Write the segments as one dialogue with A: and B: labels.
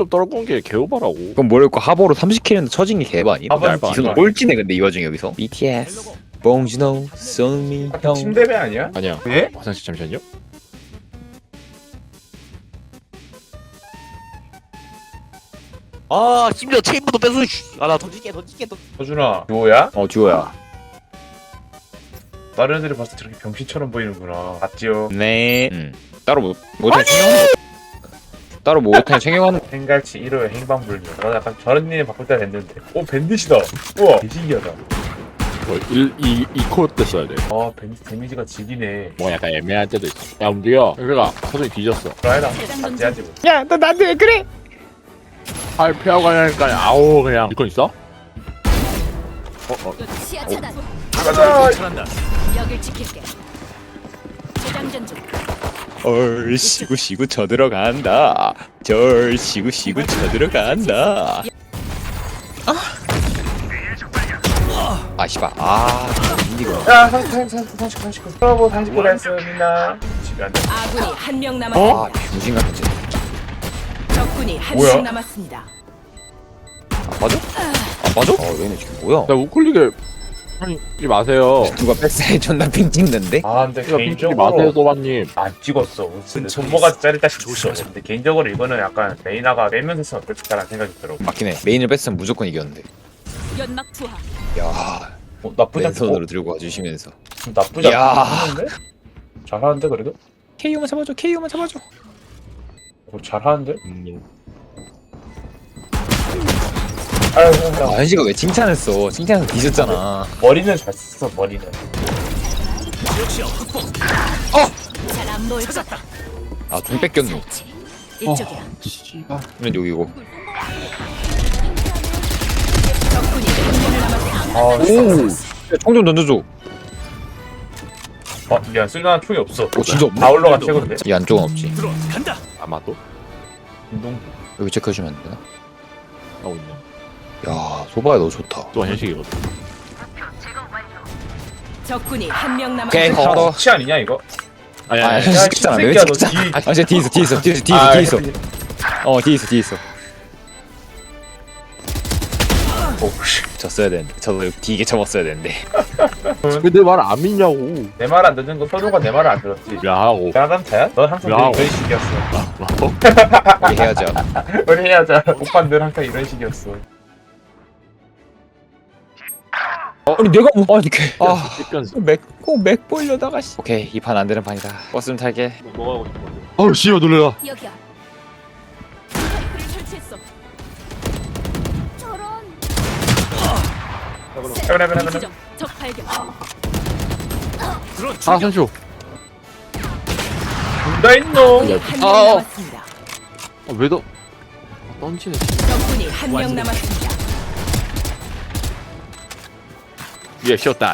A: 좀 떨군 게 개오바라고.
B: 그럼 뭐랄까 하버로 30킬 했는데 처진 게 개바 아니?
C: 하버는
B: 지금 꼴찌네 근데 이 와중에 여기서 BTS 봉준호 손미 형
C: 침대배 아니야?
A: 아니야.
C: 왜?
A: 화장실 잠시만요.
D: 아 심지어 체인부도 뺏어. 아나 던질게.
C: 서준아 듀오야?
B: 듀오야.
C: 다른 애들이 봤을 때 저렇게 병신처럼 보이는구나. 맞지요?
B: 네. 따로 못해 챙겨가는 따로 못해 챙겨가는
C: 행갈치 1호의 행방불명. 나 약간 저런 님 바꿀 때 됐는데. 오 밴딧이다. 우와 개신기하다.
A: 이 코어 때 써야 돼.
C: 아 데미지가 지기네.
A: 뭐 약간 애매할 때도 있어. 야 움직여. 그러니까 서준이 뒤졌어.
C: 그래라 같이하지 뭐.
B: 야 너 나한테 왜 그래?
A: 팔 피하고 가냐니까 아우 그냥. 이건 있어?
E: 시야 차단.
C: 가자.
E: 여길 지킬게. 재장전 중.
B: 시구 쳐들어간다. 시구 쳐들어간다. 아 씨발 인디고
C: 야 39 서버 39 했습니다. 시간.
E: 아군이 한 명 남았습니다.
B: 병신 같은 짓.
E: 적군이 한
C: 뭐야?
E: 명 남았습니다.
B: 안 맞아? 안 맞아? 얘네 지금 뭐야?
A: 나 우클릭을 하지 마세요.
B: 누가 백사에 존나 핑 찍는데?
C: 아 근데
A: 이거 핑크지 마세요
C: 개인적으로
A: 소바님.
C: 안 찍었어. 근데 손모가 짜릿다 싶었어. 근데 개인적으로 이거는 약간 레이나가 빼면서 했으면 어떨까라는 생각이 들어.
B: 맞긴 해. 메인을 뺐으면 무조건 이겼는데.
E: 연막 투하.
B: 야
C: 나쁘지
B: 맨손으로
C: 않고
B: 들고 와주시면서.
C: 나쁘지
B: 야.
C: 않은데? 잘하는데 그래도?
B: KO만 잡아줘. KO만 잡아줘.
C: 잘하는데? 아유,
B: 현식아 왜 칭찬했어? 칭찬해서 뒤졌잖아.
C: 머리는 잘 썼어 머리는.
E: 잘 안 보일 것.
B: 좀 뺏겼노.
E: 이쪽이야.
B: 그러면 여기고.
E: 적군이 한 명 남았습니다.
C: 아,
B: 총 좀 던져줘.
C: 미안 쓸만한 총이 없어.
B: 진짜 없네?
C: 다 올라가 최고인데.
B: 이 안쪽은 없지.
A: 아마도
C: 운동.
B: 여기 체크해주면 안 되나?
A: 하고 있네.
B: 야 소바야 너 좋다.
A: 또 현식이거든.
E: 적군이 한 명
B: 오케이
E: 남았습니다.
B: 하나 더.
C: 치 아니냐 이거?
A: 아니
B: 아
A: 아니.
B: 시켰잖아. 왜
C: 새끼야, 너
B: 시켰잖아.
C: 뒤-
B: 쟤 뒤에 있어. 뒤에 있어. 뒤에 있어. 뒤에 있어.
C: 오씨.
B: 졌어야 되는데. 저도 뒤게 접었어야 되는데.
A: 왜 내 말 안 믿냐고.
C: 내 말 안 듣는 거 선우가 내 말을 안 들었지.
A: 미안하고.
C: 미안한 타야? 넌 항상
A: 야.
C: 이런 식이었어.
B: 우리 해야죠.
C: 우리 해야자. 오빠 늘 항상 이런 식이었어.
B: 아니 내가 뭐 아니 이렇게 맥 보려다가 씨. 오케이 이 판 안 되는 판이다. 버스 좀 탈게.
A: 뭐가 하고 싶어? 어우 씨발 놀래라.
E: 여기야. 스파이크를 설치했어. 저런.
C: 그래.
E: 지점. 적 발견.
A: 아 선쇼.
C: 나 있노.
E: 적군이 한 명
A: 아,
E: 남았습니다.
A: 왜 너? 던지네.
E: 적군이 한 명 남았습니다.
A: 예 쉬었다.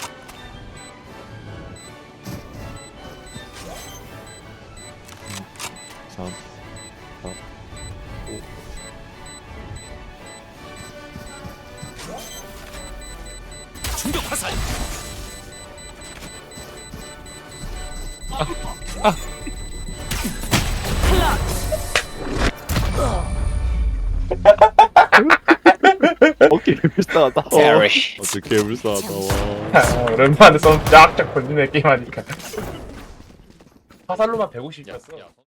A: 어깨 불쌍하다.
B: Sorry.
A: 어떻게 불쌍하다. 와.
C: 아, 오랜만에 썸 쫙쫙 건지네 게임하니까. 화살로만 150이었어.